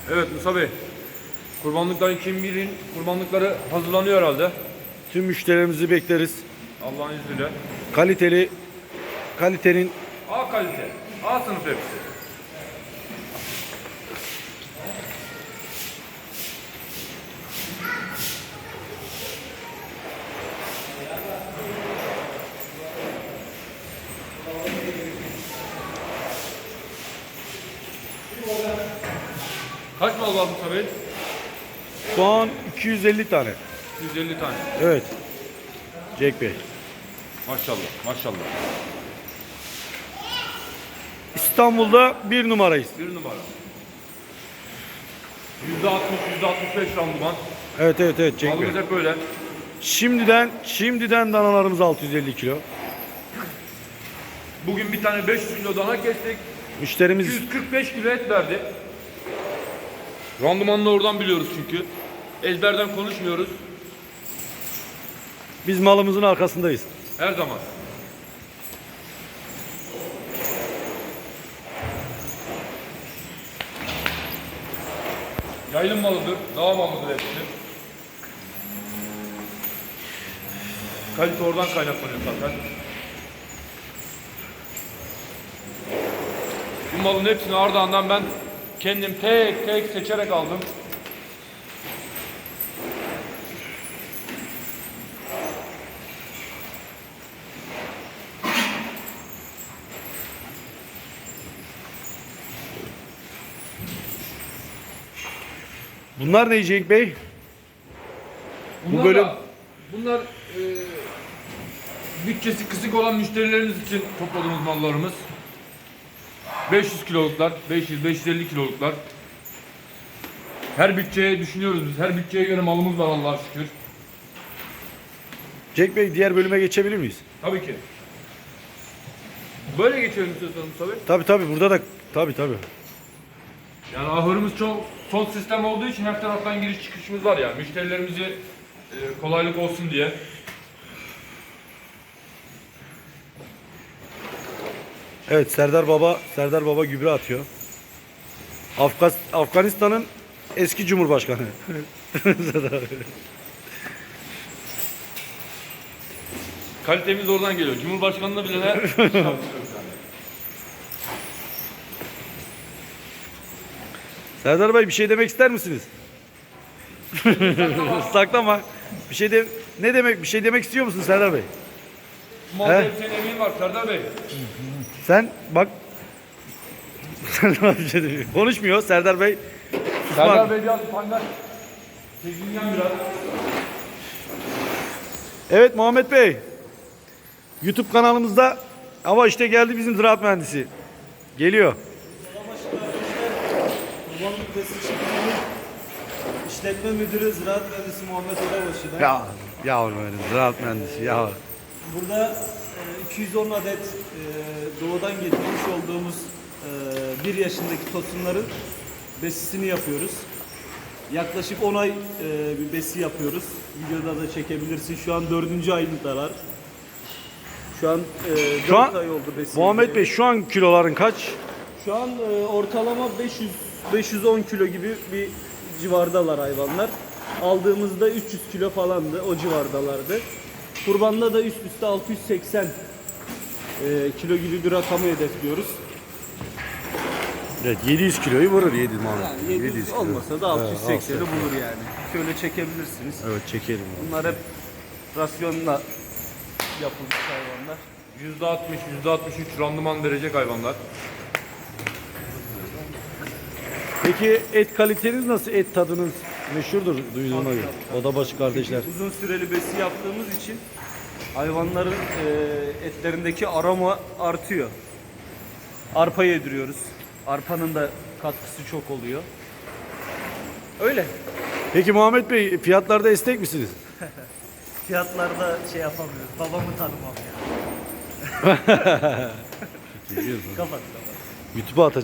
Evet Musa Bey. Kurbanlıkların kim bilir kurbanlıkları hazırlanıyor herhalde. Tüm müşterilerimizi bekleriz. Allah'ın izniyle. Kalitenin A kalite. A sınıf hepsi. Kaç mal var Musa Bey? şu an 250 tane. 150 tane. Evet. Cenk Bey. Maşallah, maşallah. İstanbul'da 1 numarayız. Bir numara. %60, %65 randıman. Evet Cenk Bey. Malımız hep böyle. Şimdiden danalarımız 650 kilo. Bugün bir tane 500 kilo dana kestik. Müşterimiz 145 kilo et verdi. Randımanını oradan biliyoruz çünkü. Ezberden konuşmuyoruz. biz malımızın arkasındayız. Her zaman. Yaylım malıdır, dağ malıdır hepsi. Kalite oradan kaynaklanıyor zaten. Bu malın hepsini Ardahan'dan ben kendim tek tek seçerek aldım. Bunlar ne Cenk Bey? Bunlar bölüm- bunlar bütçesi kısık olan müşterilerimiz için topladığımız mallarımız. 500 kiloluklar, 500-550 kiloluklar. Her bütçeye düşünüyoruz biz. Her bütçeye göre malımız var Allah'a şükür. Cenk Bey diğer bölüme geçebilir miyiz? Tabii ki. Böyle geçelim istiyorsanız tabii. Tabii burada da tabii. Yani ahırımız çok son sistem olduğu için her taraftan giriş çıkışımız var yani. Müşterilerimize kolaylık olsun diye. Evet Serdar Baba gübre atıyor. Afganistan'ın eski cumhurbaşkanı. Kalitemiz oradan geliyor. Cumhurbaşkanlığı bile ne? Serdar Bey bir şey demek ister misiniz? Saklama. Bir şey demek istiyor musun Serdar Bey? Malda He? hepsinin emeği var Serdar Bey. Sen bak Serdar bir şey demiyor. Konuşmuyor Serdar Bey. Serdar Bey biraz utangaç. Çekingen biraz. Evet Muhammed Bey. YouTube kanalımızda ama işte geldi bizim ziraat mühendisi. Geliyor. Kurbanlık Besicilik'in işletme müdürü Ziraat Mühendisi Muhammed Odabaşı. Ya yavrum benim ziraat mühendisi ya. Burada 210 adet doğudan getirmiş olduğumuz 1 yaşındaki tosunların besisini yapıyoruz. Yaklaşık 10 ay bir besi yapıyoruz. Videoda da çekebilirsin. Şu an 4. ayındalar. Şu an 4 ay oldu besi. Muhammed Bey şu an kiloların kaç? Şu an ortalama 510 kilo gibi bir civardalar hayvanlar. Aldığımızda 300 kilo falandı, o civardalardı. Kurbanda da üst üste 680 kilo gibi bir rakamı hedefliyoruz. Evet 700 kiloyu vurur 7 Muhammed. Yani 700 kilo. olmasa da 680'i bulur yani. Şöyle çekebilirsiniz. Evet çekelim. Bunlar hep rasyonla yapılmış hayvanlar. %60, %63 randıman verecek hayvanlar. Peki et kaliteniz nasıl? Et tadınız meşhurdur duyduğuma göre. Odabaşı kardeşler. Uzun süreli besi yaptığımız için hayvanların etlerindeki aroma artıyor. Arpa yediriyoruz. Arpanın da katkısı çok oluyor. Öyle. Peki Muhammed Bey fiyatlarda esnek misiniz? Fiyatlarda şey yapamıyoruz. Babamı tanımam ya. Kapat. YouTube'a atacağım.